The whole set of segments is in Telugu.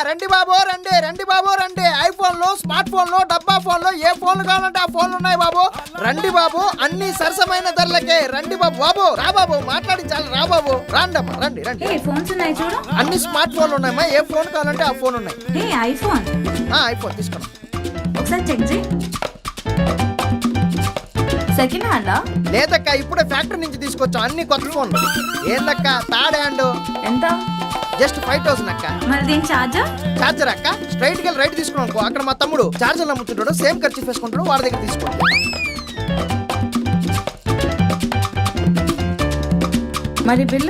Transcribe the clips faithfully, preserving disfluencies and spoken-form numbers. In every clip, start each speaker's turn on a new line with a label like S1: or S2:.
S1: రండి బాబు రండి రండి బాబు రండి. ఐఫోన్లు, స్మార్ట్ ఫోన్లు, డబ్బా ఫోన్లు, ఏ ఫోన్లు కావాలంటే ఆ ఫోన్లు ఉన్నాయి బాబు. రండి బాబు, అన్ని సరసమైన ధరలకే. రండి బాబు. బాబు రా బాబు, మాట్లాడించాలి. రా బాబు, రాండమ్మా, రండి రండి.
S2: ఫోన్స్ ఉన్నాయి చూడు.
S1: అన్ని స్మార్ట్ ఫోన్లు ఉన్నాయమ్మా, ఏ ఫోన్ కావాలంటే ఆ ఫోన్ ఉన్నాయి.
S2: ఐఫోన్
S1: ఐఫోన్ తీసుకోండి.
S2: ఒకసారి చెక్ చేయి. సెకండ్ హ్యాండా?
S1: లేదక్క, ఇప్పుడే ఫ్యాక్టరీ నుంచి తీసుకొచ్చాం అన్ని కొత్త ఫోన్లు. ఏందక్క థర్డ్ హ్యాండ్? ఎంత? జస్ట్ ఫైవ్ థౌసండ్ అక్క.
S2: మరి దీని చార్జర్?
S1: చార్జర్ అక్క స్ట్రైట్ గా రైట్ తీసుకున్నాం అనుకో, అక్కడ మా తమ్ముడు చార్జర్ అమ్ముతుంటాడు, సేమ్ ఖర్చు వేసుకుంటాడు, వాడి దగ్గర తీసుకోండి.
S2: మరి బిల్లు?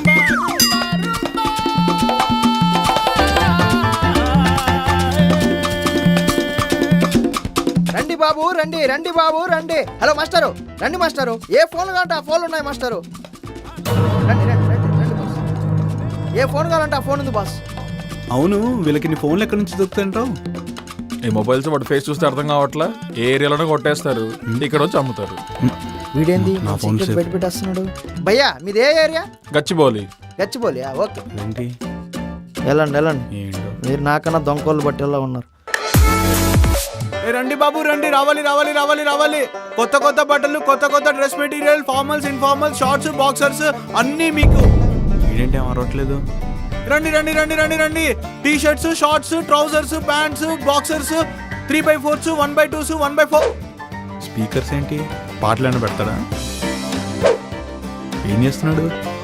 S1: రండి బాబు రండి రండి బాబు రండి. హలో మాస్టరు, రండి మాస్టరు. ఏ ఫోన్లు కావాలంటే ఆ ఫోన్లు ఉన్నాయి మాస్టరు. రండి రండి రండి రండి బాస్. ఏ ఫోన్ కావాలంటే ఆ ఫోన్ ఉంది బాస్.
S3: అవును, వీళ్ళకి నీ ఫోన్లు ఎక్కడి నుంచి దొరుకుతాయంటావు?
S4: ఈ మొబైల్స్ వాటి ఫేస్ చూస్తే అర్థం కావట్లా. ఏ ఏరియాలోనే కొట్టేస్తారు, ఇక్కడ వచ్చి అమ్ముతారు.
S1: వీడేంది
S3: నా ఫోన్
S1: పెట్టి పెట్టేస్తున్నాడు? భయ్యా మీది ఏ ఏరియా?
S4: గచ్చిబౌలి.
S1: గచ్చిబౌలి ఓకే.
S3: ఏంటి?
S1: వెళ్ళండి వెళ్ళండి. మీరు నాకన్నా దొంగకోళ్ళు బట్టేలా ఉన్నారు.
S3: రండి బాబు రండి, రావాలి రావాలి రావాలి రావాలి. కొత్త కొత్త బట్టలు, కొత్త కొత్త dress material, formals, informals, shorts, boxers అన్నీ మీకు. ఏంటంటే అరవట్లేదు. రండి రండి రండి రండి రండి. T shirts, shorts, trousers, pants, boxers, three by fours, one by twos, one by four. Speakers ఏంటి, పాటలు పెడతాడా? ఏం చేస్తున్నాడు?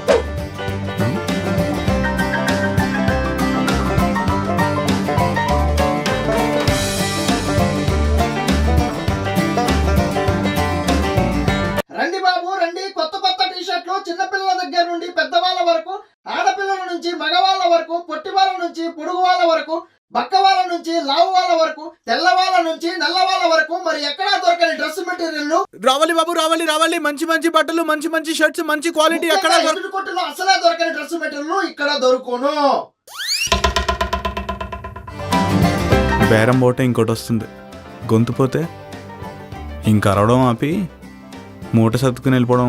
S1: రండి బాబు రండి. కొత్త కొత్త టీ షర్ట్లు చిన్నపిల్లల దగ్గర నుండి పెద్దవాళ్ళ వరకు, ఆడపిల్లల నుంచి మగవాళ్ళ వరకు, పొట్టి వాళ్ళ నుంచి పొడుగు వాళ్ళ వరకు, బక్క వాళ్ళ నుంచి లావు వాళ్ళ వరకు, తెల్ల వాళ్ళ నుంచి నల్ల వాళ్ళ వరకు, మరి ఎక్కడా దొరకని డ్రెస్ మెటీరియల్.
S3: రావాలి బాబు రావాలి రావాలి. మంచి మంచి బట్టలు, మంచి మంచి షర్ట్స్, మంచి క్వాలిటీ ఎక్కడ
S1: కొట్టులో అసలే దొరకని డ్రెస్ మెటీరియల్ ఇక్కడ దొరుకును.
S3: బేరం పోతే ఇంకోటి వస్తుంది, గొంతు పోతే ఇంకా అరవడం ఆపి మూట సర్దుకుని వెళ్ళిపోవడం.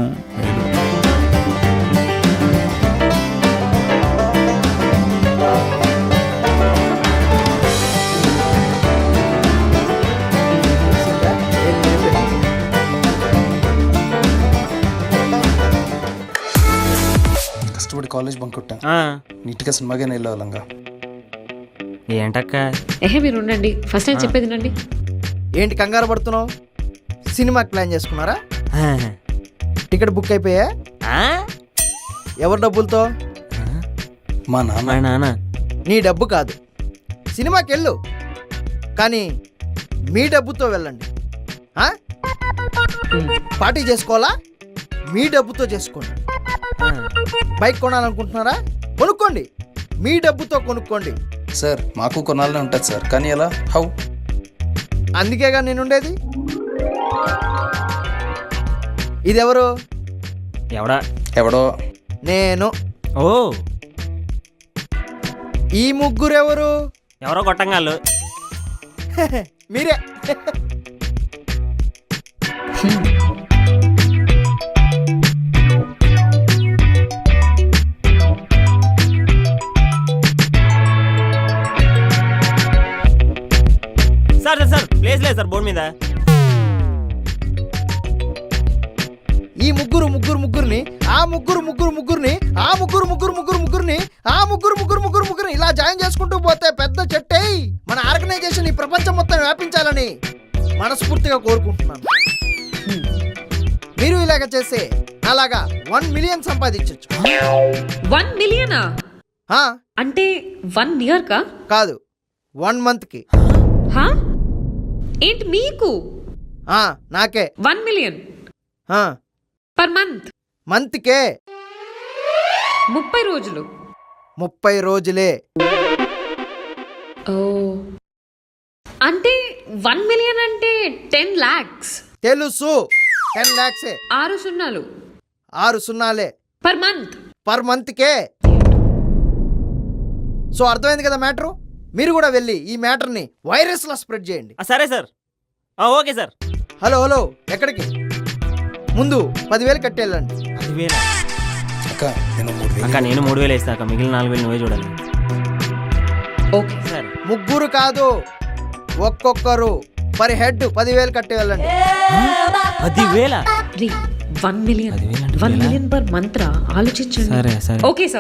S5: కష్టపడి కాలేజ్ బంక్ కొట్టా, నీట్గా సినిమాగా వెళ్ళాలంగా.
S6: ఏంటక్క?
S7: ఏహే మీరు ఉండండి, ఫస్ట్ నేను చెప్పేది నండి.
S1: ఏంటి కంగారు పడుతున్నావు? సినిమాకి ప్లాన్ చేసుకున్నారా? టికెట్ బుక్ అయిపోయా? ఎవరి డబ్బులతో?
S5: మా నాన్న.
S6: నాన్న.
S1: నీ డబ్బు కాదు, సినిమాకి వెళ్ళు, కానీ మీ డబ్బుతో వెళ్ళండి. పార్టీ చేసుకోవాలా? మీ డబ్బుతో చేసుకోండి. బైక్ కొనాలనుకుంటున్నారా? కొనుక్కోండి, మీ డబ్బుతో కొనుక్కోండి.
S5: సార్ మాకు కొనాలనే ఉంటుంది సార్, కానీ ఎలా? హౌ?
S1: అందుకేగా నేను ఉండేది. ఇది ఎవరు?
S6: ఎవడా?
S5: ఎవడో
S1: నేను.
S6: ఓ,
S1: ఈ ముగ్గురు ఎవరు?
S6: ఎవరో గొట్టంగాళ్ళు.
S1: మీరే.
S6: సార్ సార్ సార్ ప్లేస్ లేదు సార్ బోర్డు మీద.
S1: ఈ ముగ్గురు ముగ్గురు ముగ్గురిని, ఆ ముగ్గురు ముగ్గురు ముగ్గురిని, ఆ ముగ్గురు ముగ్గురు ముగ్గురు ముగ్గురిని, ఆ ముగ్గురు ముగ్గురు ముగ్గురు ముగ్గురిని ఇలా జాయిన్ చేసుకుంటూ పోతే పెద్ద చెట్టే మన ఆర్గనైజేషన్ ఈ ప్రపంచం మొత్తం వ్యాపించాలని మనస్ఫూర్తిగా కోరుకుంటున్నాను. మీరు ఇలాగ చేస్తే అలాగా వన్ మిలియన్ సంపాదించవచ్చు.
S7: వన్ మిలియనా? అంటే వన్ ఇయర్ కా?
S1: కాదు, వన్ మంత్ కి.
S7: ఏంటి మీకు?
S1: నాకే
S7: one million per month?
S1: Month కే.
S7: ముప్పై రోజులు.
S1: ముప్పై రోజులే.
S7: ఓ, అంటే వన్ మిలియన్ అంటే టెన్ లాక్స్.
S1: తెలుసు, టెన్ లాక్స్.
S7: ఆరు సున్నాలు.
S1: ఆరు సున్నాలే
S7: పర్ మంత్.
S1: పర్ మంత్ కే. సో అర్థమైంది కదా మ్యాటరు. మీరు కూడా వెళ్ళి ఈ మ్యాటర్ని వైరస్ లా స్ప్రెడ్ చేయండి.
S6: సరే sir, okay sir.
S1: Hello hello ఎక్కడికి? ముందు పదివేలు కట్టేళ్ళండి.
S6: పదివేలు?
S5: అక్క నేను మూడు వేలు.
S6: అక్క నేను మూడు వేలు వేస్తా అక్క, మిగిలిన నాలుగు వేలు నువ్వే చూడాలి.
S7: ఓకే
S6: సరే
S1: ముగ్గురు కాదు, ఒక్కొక్కరు పర్ హెడ్ పదివేలు కట్టి వెళ్ళండి.
S6: పదివేల
S7: రీ one million one million per month రా, ఆలోచించండి.
S6: సరే సరే
S7: ఓకే సార్.